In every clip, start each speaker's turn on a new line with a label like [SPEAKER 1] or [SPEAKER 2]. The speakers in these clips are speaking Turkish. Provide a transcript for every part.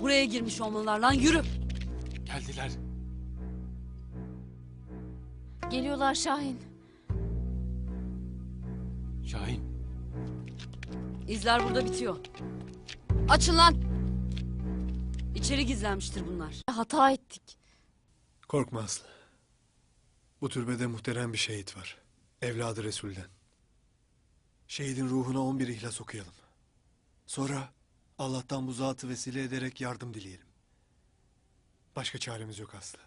[SPEAKER 1] Buraya girmiş olmalılar lan, yürü.
[SPEAKER 2] Geldiler.
[SPEAKER 3] Geliyorlar Şahin.
[SPEAKER 2] Şahin.
[SPEAKER 1] İzler burada bitiyor. Açın lan. İçeri gizlenmiştir bunlar.
[SPEAKER 3] Hata ettik.
[SPEAKER 4] Korkma Aslı. Bu türbede muhterem bir şehit var. Evladı Resul'den. Şehidin ruhuna 11 ihlas okuyalım. Sonra Allah'tan bu zatı vesile ederek yardım dileyelim. Başka çaremiz yok Aslı.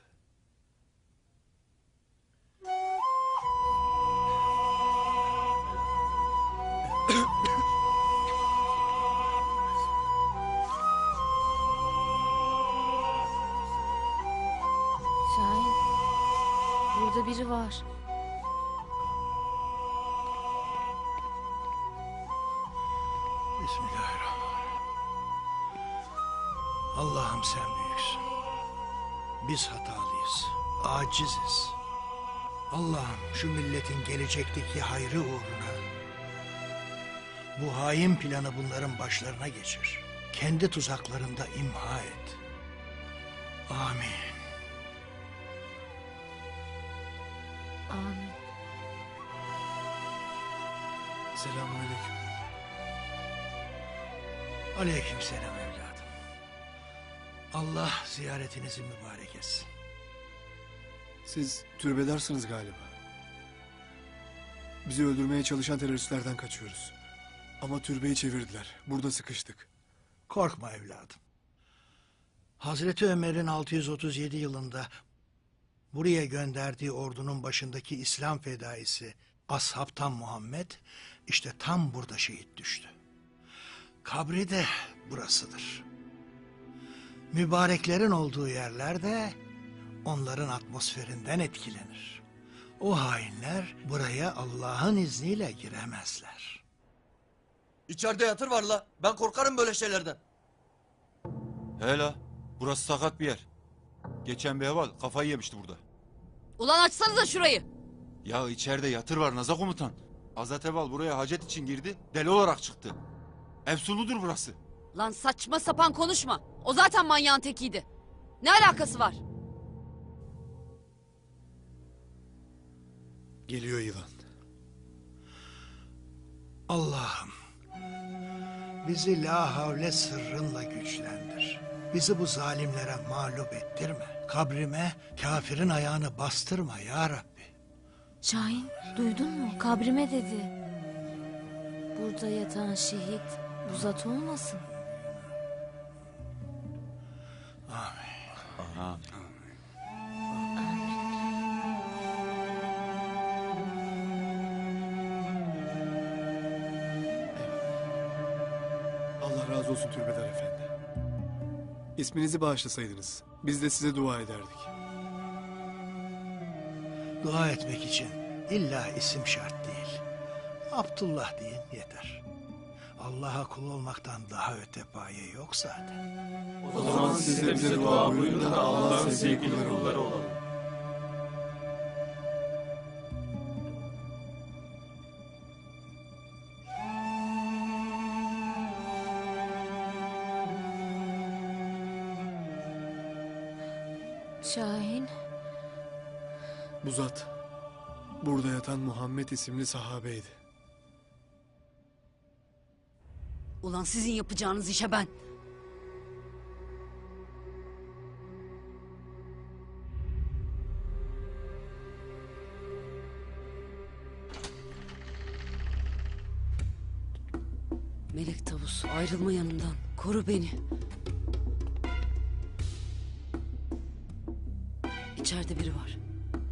[SPEAKER 3] Şahin. Burada biri var.
[SPEAKER 5] Bismillahirrahmanirrahim. Allah'ım sen büyüksün. Biz hatalıyız, aciziz. Allah'ım şu milletin gelecekteki hayrı uğruna bu hain planı bunların başlarına geçir. Kendi tuzaklarında imha et. Amin.
[SPEAKER 3] Amin.
[SPEAKER 4] Selamünaleyküm.
[SPEAKER 5] Aleykümselam evladım. Allah ziyaretinizi mübarek etsin.
[SPEAKER 4] Siz türbedarsınız galiba. Bizi öldürmeye çalışan teröristlerden kaçıyoruz. Ama türbeyi çevirdiler. Burada sıkıştık.
[SPEAKER 5] Korkma evladım. Hazreti Ömer'in 637 yılında buraya gönderdiği ordunun başındaki İslam fedaisi Ashabtan Muhammed işte tam burada şehit düştü. Kabri de burasıdır. Mübareklerin olduğu yerler de onların atmosferinden etkilenir. O hainler buraya Allah'ın izniyle giremezler.
[SPEAKER 6] İçeride yatır var la. Ben korkarım böyle şeylerden.
[SPEAKER 2] Hele. Burası sakat bir yer. Geçen bir heval kafayı yemişti burada.
[SPEAKER 1] Ulan açsanıza şurayı.
[SPEAKER 2] Ya içeride yatır var Naza komutan. Azat Eval buraya hacet için girdi. Deli olarak çıktı. Efsunludur burası.
[SPEAKER 1] Lan saçma sapan konuşma. O zaten manyağın tekiydi. Ne alakası var?
[SPEAKER 4] Geliyor yılan.
[SPEAKER 5] Allah'ım bizi la havle sırrınla güçlendir. Bizi bu zalimlere mağlup ettirme. Kabrime kafirin ayağını bastırma ya Rabbi.
[SPEAKER 3] Şahin duydun mu? Kabrime dedi. Burada yatan şehit bu zat olmasın?
[SPEAKER 2] Amin.
[SPEAKER 4] Allah razı olsun Türbedar Efendi. İsminizi bağışlasaydınız biz de size dua ederdik.
[SPEAKER 5] Dua etmek için illa isim şart değil. Abdullah deyin yeter. Allah'a kul olmaktan daha öte paye yok zaten.
[SPEAKER 4] O zaman siz de bize dua buyurun da Allah'ın sevgili kulları olalım.
[SPEAKER 3] Şahin.
[SPEAKER 4] Bu zat burada yatan Muhammed isimli sahabeydi.
[SPEAKER 1] Ulan sizin yapacağınız işe ben. Melek Tavus, ayrılma yanımdan. Koru beni. İçeride biri var.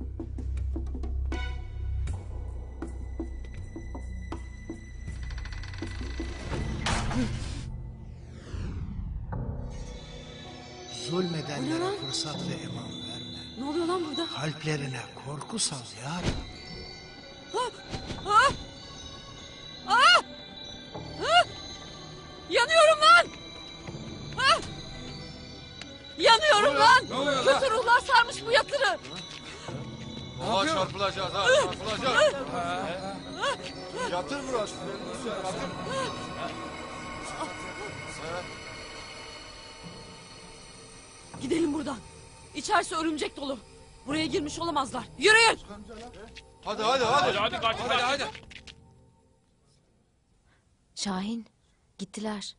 [SPEAKER 5] Zulmedenlere fırsat ve eman verme.
[SPEAKER 1] Ne oluyor lan burada?
[SPEAKER 5] Kalplerine korku sal ya Rabbi.
[SPEAKER 1] Yanıyorum lan! Ah! Yanıyorum lan! Kötü ruhlar sarmış bu yatırı.
[SPEAKER 2] Oha çarpılacağız ha çarpılacağız. Yatır burası. Yatır.
[SPEAKER 1] Yürüyün buradan. İçerisi örümcek dolu. Buraya girmiş olamazlar. Yürüyün.
[SPEAKER 2] Hadi hadi hadi.
[SPEAKER 6] Hadi.
[SPEAKER 3] Şahin, gittiler.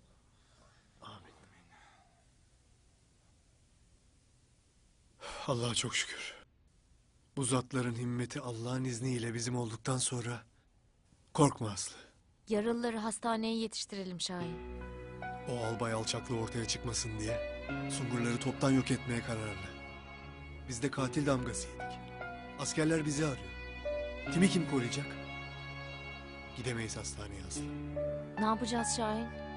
[SPEAKER 4] Allah'a çok şükür. Bu zatların himmeti Allah'ın izniyle bizim olduktan sonra korkma Aslı.
[SPEAKER 3] Yaralıları hastaneye yetiştirelim Şahin.
[SPEAKER 4] O albay alçaklığı ortaya çıkmasın diye Sungurları toptan yok etmeye kararlı. Biz de katil damgası yedik. Askerler bizi arıyor. Kimi kim koruyacak? Gidemeyiz hastaneye Aslı.
[SPEAKER 3] Ne yapacağız Şahin?